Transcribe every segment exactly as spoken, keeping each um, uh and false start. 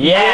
เย้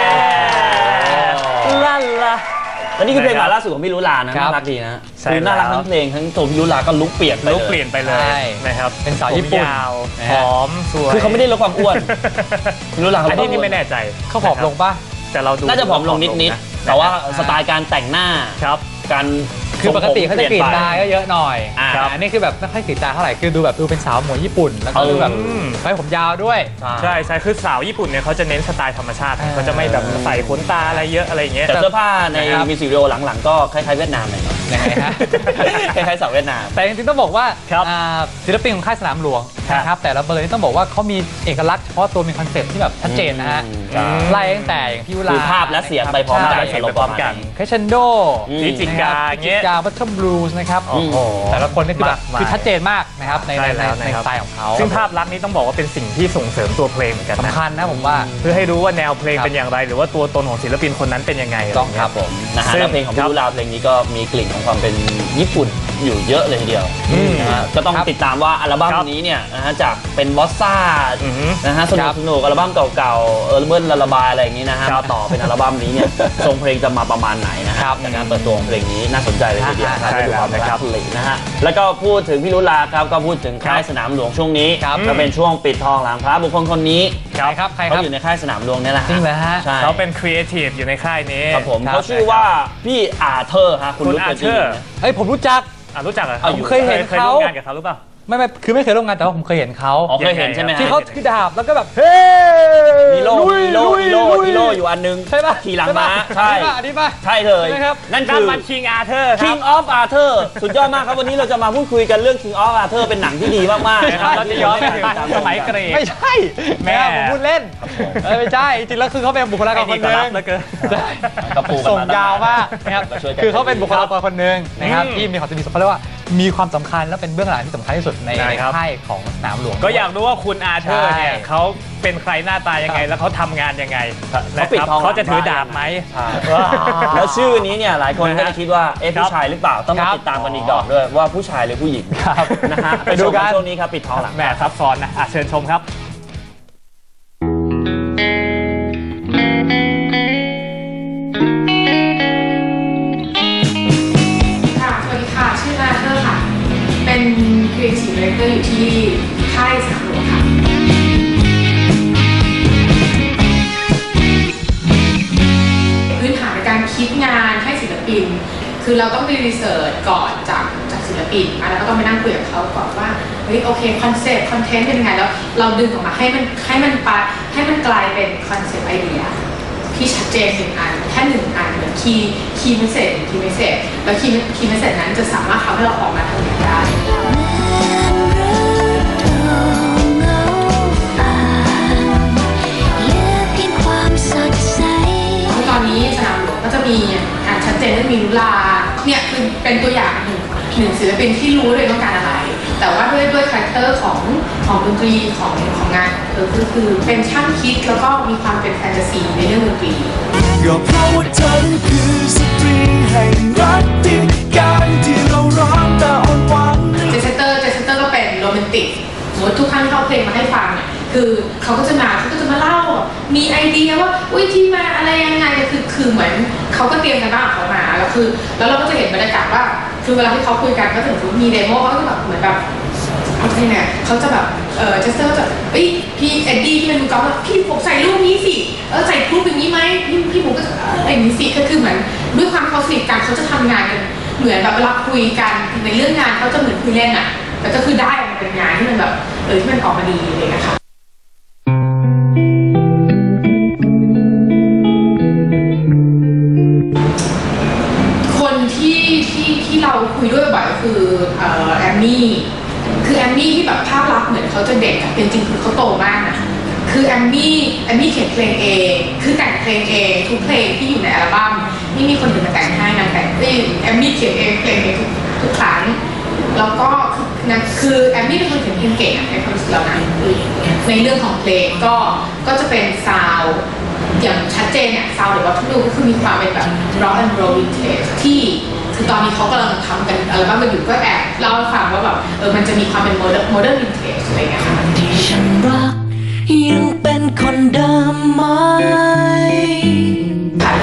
ลั่นละและนี่คือเพลงใหม่ล่าสุดของพี่ลุลานะน่ารักดีนะคือน่ารักทั้งเพลงทั้งตัวพี่ลุลาก็ลุกเปลี่ยนลุกเปลี่ยนไปเลยนะครับเป็นสาวญี่ปุ่นหอมสวยคือเขาไม่ได้ลดความอ้วนพี่ลุลาเขาอันนี้นี่ไม่แน่ใจเขาผอมลงป่ะแต่เราดูน่าจะผอมลงนิดๆแต่ว่าสไตล์การแต่งหน้าครับการคือปกติเขาจะกรีดตาก็เยอะหน่อยอันนี้คือแบบไม่ค่อยกรีดตาเท่าไหร่คือดูแบบดูเป็นสาวหมวยญี่ปุ่นแล้วก็ดูแบบไว้ผมยาวด้วยใช่ใช่คือสาวญี่ปุ่นเนี่ยเขาจะเน้นสไตล์ธรรมชาติเขาจะไม่แบบใส่ขนตาอะไรเยอะอะไรอย่างเงี้ยแต่เสื้อผ้าในมิวสิกวิดีโอหลังๆก็คล้ายๆเวียดนามหน่อยยังไงฮะคล้ายๆสาวเวียดนามแต่จริงๆต้องบอกว่าศิลปินของค่ายสนามหลวงนะครับแต่ละเบอร์นี่ต้องบอกว่าเขามีเอกลักษณ์เฉพาะตัวมีคอนเซ็ปต์ที่แบบชัดเจนนะฮะไล่ตั้งแต่อย่างพี่ยุลาภาพและเสียงไปพร้อมกันไปพร้อมกันเคชันโดนิจิกาเงี้ยกาบัตเทิลบลูส์นะครับแต่ละคนนี่คือแบบคือชัดเจนมากนะครับในในสไตล์ของเขาซึ่งภาพลักษณ์นี้ต้องบอกว่าเป็นสิ่งที่ส่งเสริมตัวเพลงเหมือนกันสำคัญนะผมว่าเพื่อให้รู้ว่าแนวเพลงเป็นอย่างไรหรือว่าตัวตนของศิลปินคนนั้นเป็นยังไงต้องครับผมนะฮะแล้วเพลงของพี่ลุลาเพลงนี้ก็มีกลิ่นของความเป็นญี่ปุ่นอยู่เยอะเลยทีเดียวนะฮะก็ต้องติดตามว่าอัลบั้มนี้เนี่ยนะฮะจากเป็นบอสซ่านะฮะสนุกสนุกอัลบั้มเก่าๆเออเบิ้ลละระบายอะไรอย่างนี้นะฮะมาต่อเป็นอัลบั้มนี้เนี่ยทรงเพลงจะมาประมาณไหนนะครับจากการเปิดตัวของเพลงนี้น่าสนใจเลยทีเดียวครับดูความรักเลยนะฮะแล้วก็พูดถึงพี่ลุลาครับก็พูดถึงค่ายสนามหลวงช่วงนี้ก็เป็นช่วงปิดทองหลังพระบุคคลคนนี้ครับเขาอยู่ในค่ายสนามหลวงนี่แหละจริงเหรอฮะเขาเป็นครีเอทีฟอยู่ในค่ายนี้ครับผมเขาชื่อว่าพี่อาเธอร์ฮะคุณรู้จักชื่อเฮ้ยผมรู้จักรู้จักเหรอผมเคยเห็นเขางานกับเขาหรือเปล่าไม่ไม่คือไม่เคยร่วมงานแต่ว่าผมเคยเห็นเขาเคยเห็นใช่ไหมที่เขาถือดาบแล้วก็แบบเฮ้มีโล่มีโล่มีโล่มีโล่อยู่อันนึงใช่ป่ะขี่หลังม้าใช่อันนี้ป่ะใช่เลยนั่นคือมัน King Arthur King of Arthur สุดยอดมากครับวันนี้เราจะมาพูดคุยกันเรื่อง King of Arthur เป็นหนังที่ดีมากๆนะครับเราจะย้อนไปถึงสมัยเกรกไม่ใช่แม่ผมพูดเล่นไม่ใช่จริงแล้วคือเขาเป็นบุคลากรคนหนึ่งส่งยาวมากนะครับคือเขาเป็นบุคลากรคนหนึ่งนะครับที่มีความสำคัญเขาเรียกว่ามีความสำคัญและเป็นเบื้องหลังที่สำคัญที่สุดในค่ายของสนามหลวงก็อยากรู้ว่าคุณอาเธอร์เนี่ยเขาเป็นใครหน้าตายังไงแล้วเขาทำงานยังไงนะครับเขาจะถือดาบไหมแล้วชื่อนี้เนี่ยหลายคนก็จะคิดว่าเอ๊ะผู้ชายหรือเปล่าต้องมาติดตามกันอีกดอกด้วยว่าผู้ชายหรือผู้หญิงนะฮะไปดูกันช่วงนี้ครับปิดทองหลังแม่ซับซ้อนนะเชิญชมครับเป็นครีเอทีฟดีเรคเตอร์อยู่ที่ค่ายสนามหลวงค่ะพื้นฐานในการคิดงานให้ศิลปินคือเราต้องไปรีเสิร์ชก่อนจากจากศิลปินแล้วก็ต้องไปนั่งคุยกับเขาก่อนว่าเฮ้ยโอเคคอนเซ็ปต์คอนเทนต์เป็นยังไงแล้วเราดึงออกมาให้มันให้มันปะให้มันกลายเป็นคอนเซ็ปต์ไอเดียที่ชัดเจนหนึ่งอันแค่หนึ่งอันเหมือนคีย์คีย์เมสเซจคีย์เมสเซจแล้วคีย์คีย์เมสเซจนั้นจะสามารถทำให้เราออกมาทำงานได้ตอนนี้สนามหลวงก็จะมีการชัดเจนและมีลุลาเนี่ยคือเป็นตัวอย่างหนึ่งหนึ่งศิลปินที่รู้เลยต้องการอะไรแต่ว่าด้วยด้วยคาแรคเตอร์ของของดนตรีของของงานเออคือคือเป็นช่างคิดแล้วก็มีความเป็นแฟนตาซีในเรื่องดนตรีก็เพราะว่าเธอคือสตรีแห่งรักที่การที่เราร้องแต่อ่อนหวานเจสเตอร์เจสเตอร์ก็เป็นโรแมนติกสมมติทุกครั้งที่เขาเพลงมาให้ฟังเนี่ยคือเขาก็จะมาเขาก็จะมาเล่ามีไอเดียว่าอุ้ยที่มาอะไรยังไงคือคือเหมือนเขาก็เตรียมกันบ้างเขามาแล้วคือแล้วเราก็จะเห็นบรรยากาศว่าคือเวลาที่เขาคุยกันก็ถึงมีเดโมเขาก็จะแบบเหมือนแบบอะไรเนี่ยเขาจะแบบเออเจสเตอร์จะเอ้ยพี่เอ็ดดี้ที่เป็นมือกอล์ฟพี่ผมใส่รูปนี้สิเออใส่รูปอย่างนี้ไหมพี่พี่ผมก็จะอะไรอย่างนี้สิก็คือเหมือนด้วยความเขาสนิทกันเขาจะทำงานกันเหมือนแบบเวลาคุยกันในเรื่องงานเขาจะเหมือนคุยเล่นอ่ะแต่ก็คือได้มันเป็นงานที่มันแบบเออที่มันออกมาดีเลยนะคะคนที่ที่ที่เราคุยด้วยบ่อยก็คือแอมมี่คือแอมมี่ที่แบบภาพลักษณ์เหมือนเขาจะเด็กแต่จริงๆคือเขาโตมากนะคือแอมมี่แอมมี่เขียนเพลงเองคือแต่งเพลงเองทุกเพลงที่อยู่ในอัลบั้มไม่มีคนอื่นมาแต่งให้นางแต่งเองแอมมี่เขียนเองเพลงเองทุกครั้งแล้วก็นะคือแอมมี่เป็นคนเขียนเพลงเก่งในความรู้สึกเรานะในเรื่องของเพลงก็ก็จะเป็นซาวด์อย่างชัดเจนเนี่ยซาวด์หรือว่าทุกดูก็คือมีความเป็นแบบ rock and roll vintage ที่คือตอนนี้เขากำลังทำกันอัลบั้มกันอยู่ก็แอบเล่าให้ฟังว่าแบบเออมันจะมีความเป็น modern modern vintage อะไรเงี้ยค่ะที่ฉันรักยังเป็นคนเดิมไหม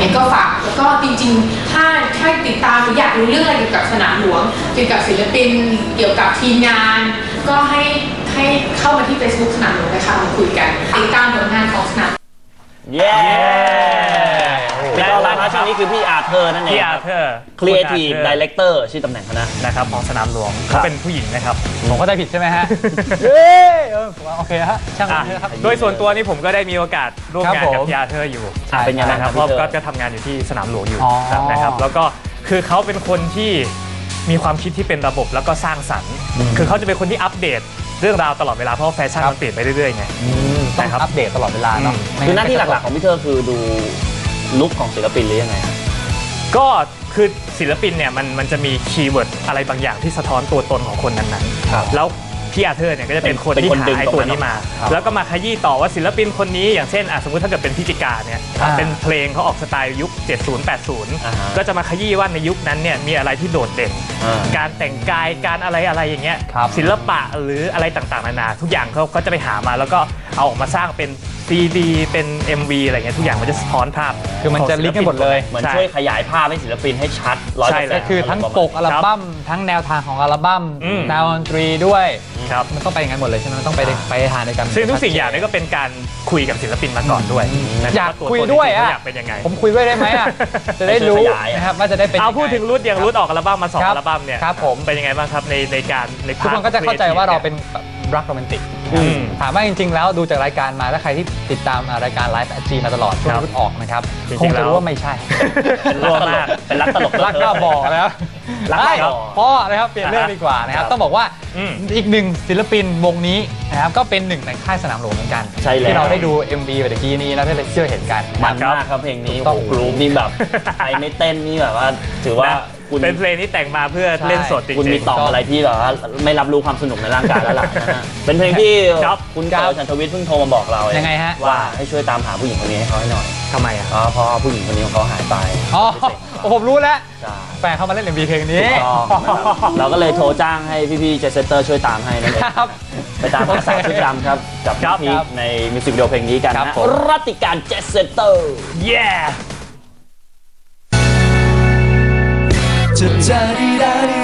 งก็ฝากแล้วก็จริงๆถ้าถ้าติดตามหรืออยากรู้เรื่องอะไรเกี่ยวกับสนามหลวงเกี่ยวกับศิลปินเกี่ยวกับทีมงาน ก็ให้ให้เข้ามาที่ Facebook สนามหลวงนะคะมาคุยกันติดตามผลงานของสนามเย้แล้วร้านช่วงนี้คือพี่อาร์เธอร์นั่นเองพี่อาร์เธอร์ Creative Director ชื่อตำแหน่งเขานะนะครับของสนามหลวงเขาเป็นผู้หญิงนะครับผมก็ได้ผิดใช่ไหมฮะเออโอเคฮะช่างมันครับโดยส่วนตัวนี่ผมก็ได้มีโอกาสร่วมงานกับพี่อาร์เธอร์อยู่เป็นยังไงครับเพราะก็ทำงานอยู่ที่สนามหลวงอยู่นะครับแล้วก็คือเขาเป็นคนที่มีความคิดที่เป็นระบบแล้วก็สร้างสรรค์คือเขาจะเป็นคนที่อัปเดตเรื่องราวตลอดเวลาเพราะแฟชั่นมันเปลี่ยนไปเรื่อยๆไงต้องอัปเดตตลอดเวลาเนาะคือหน้าที่หลักๆของพี่เธอคือดูลุคของศิลปินหรือยังไงก็คือศิลปินเนี่ยมันมันจะมีคีย์เวิร์ดอะไรบางอย่างที่สะท้อนตัวตนของคนนั้นๆแล้วพี่อาร์เธอร์เนี่ยก็จะเป็นคนที่หาไอ้ตัวนี้มาแล้วก็มาขยี้ต่อว่าศิลปินคนนี้อย่างเช่นสมมติถ้าเกิดเป็นพิจิกาเนี่ยเป็นเพลงเขาออกสไตล์ยุคเจ็ดสิบ แปดสิบก็จะมาขยี้ว่าในยุคนั้นเนี่ยมีอะไรที่โดดเด่นการแต่งกายการอะไรอะไรอย่างเงี้ยศิลปะหรืออะไรต่างๆนานาทุกอย่างเขาก็จะไปหามาแล้วก็เอาออกมาสร้างเป็นซีดีเป็น เอ็ม วี อะไรเงี้ยทุกอย่างมันจะสะท้อนภาพคือมันจะลิงก์กันหมดเลยเหมือนช่วยขยายภาพให้ศิลปินให้ชัดร้อยเปอร์เซ็นต์คือทั้งปกอัลบั้มทั้งแนวทางของอัลบั้มแนวดนตรีด้วยมันต้องไปอย่างนั้นหมดเลยใช่ไหมมันต้องไปไปทานในกันซึ่งทุกสิ่งอย่างนี้ก็เป็นการคุยกับศิลปินมาก่อนด้วยอยากคุยด้วยอ่ะอยากเป็นยังไงผมคุยด้วยได้ไหมอ่ะจะได้รู้นะครับว่าจะได้เป็นเอาพูดถึงรุ่นอย่างรุ่นออกอัลบั้มมาสองอัลบั้มเนี่ยครับผมเป็นยังไงบ้างครับในในการในทุกคนก็จะเข้าใจว่าเราเป็นรักโรแมนติกถามว่าจริงๆแล้วดูจากรายการมาถ้าใครที่ติดตามรายการไลฟ์แอดจีมาตลอดช่วงรุ่นออกนะครับคงจะรู้ว่าไม่ใช่เป็นรักตลกเป็นรักตลกรักก็บอกแล้วรักก็พ่อนะครับเปลี่ยนเรื่องดีกว่านะครับต้องบอกว่าอีกหนึ่งศิลปินวงนี้นะครับก็เป็นหนึ่งในค่ายสนามหลวงเหมือนกันที่เราได้ดู เอ็ม วี ไปตะกี้นี้แล้วได้ไปเชื่อเห็นกันมันมากครับเพลงนี้โอ้โหกรุ๊ปนี่แบบใครไม่เต้นนี่แบบว่าถือว่าเป็นเพลงที่แต่งมาเพื่อเล่นสดจริงๆคุณมีต่ออะไรที่แบบว่าไม่รับรู้ความสนุกในร่างกายแล้วล่ะนะเป็นเพลงที่คุณก้าวชันทวิทย์เพิ่งโทรมาบอกเรายังไงฮะว่าให้ช่วยตามหาผู้หญิงคนนี้ให้เขาให้หน่อยทำไมอ่ะเพราะผู้หญิงคนนี้ของเขาหายไปอ๋อผมรู้แล้วแฟนเขามาเล่น เอ็ม วี เพลงนี้เราก็เลยโทรจ้างให้พี่ๆเจสเซอร์ช่วยตามให้นั่นเองไปตามหาสาวชุดดำครับกับพี่ในมิวสิกวิดีโอเพลงนี้กันนะรัติการเจสเซอร์เย้จะจะได้